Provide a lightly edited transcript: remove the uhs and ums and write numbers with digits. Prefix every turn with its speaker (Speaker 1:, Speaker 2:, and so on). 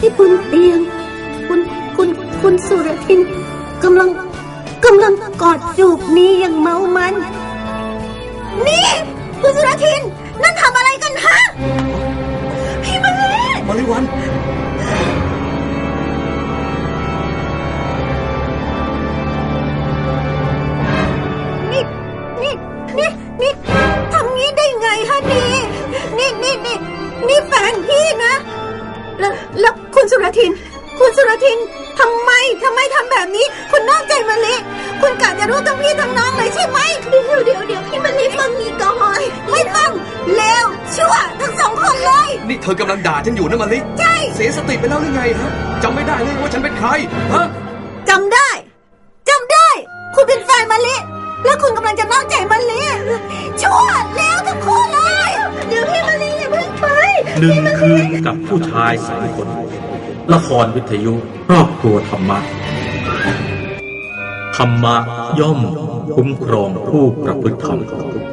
Speaker 1: ที่บนเตียงคุณสุรทินกำลังกอดจูบนี้อย่างเมามันนี่คุณสุรทินนั่นทำอะไรกันฮะพี่มะลิ
Speaker 2: วัน
Speaker 1: นี่ทำงี้ได้ไงฮะนี่แฟนพี่นะแล้วคุณสุรทินทำไมทำแบบนี้คุณนอกใจมะลิคุณกะจะรู้ทั้งพี่ทั้งน้องเลยใช่ไหมเดี๋ยวพี่มะลิฟังนี้ก่อนไม่ฟังเลวชั่วทั้งสองคนเลย
Speaker 2: นี่เธอกำลังด่าฉันอยู่นะมะลิ
Speaker 1: ใช่
Speaker 2: เสียสติไปแล้วหรือไงฮะจำไม่ได้เลยว่าฉันเป็นใครฮะ
Speaker 1: จำได้คุณเป็นแฟนมะลิแล้วคุณกำลังจะนอกใจมะลิชั่วแล้วทั้งคู่เลยเดี๋ยวพี่มะลิอย่าเพิ่งไป
Speaker 3: 1 คืนกับผู้ชาย2 คนละครวิทยุครอบครัวธรรมะธรรมะย่อมคุ้มครองผู้ประพฤติธรรม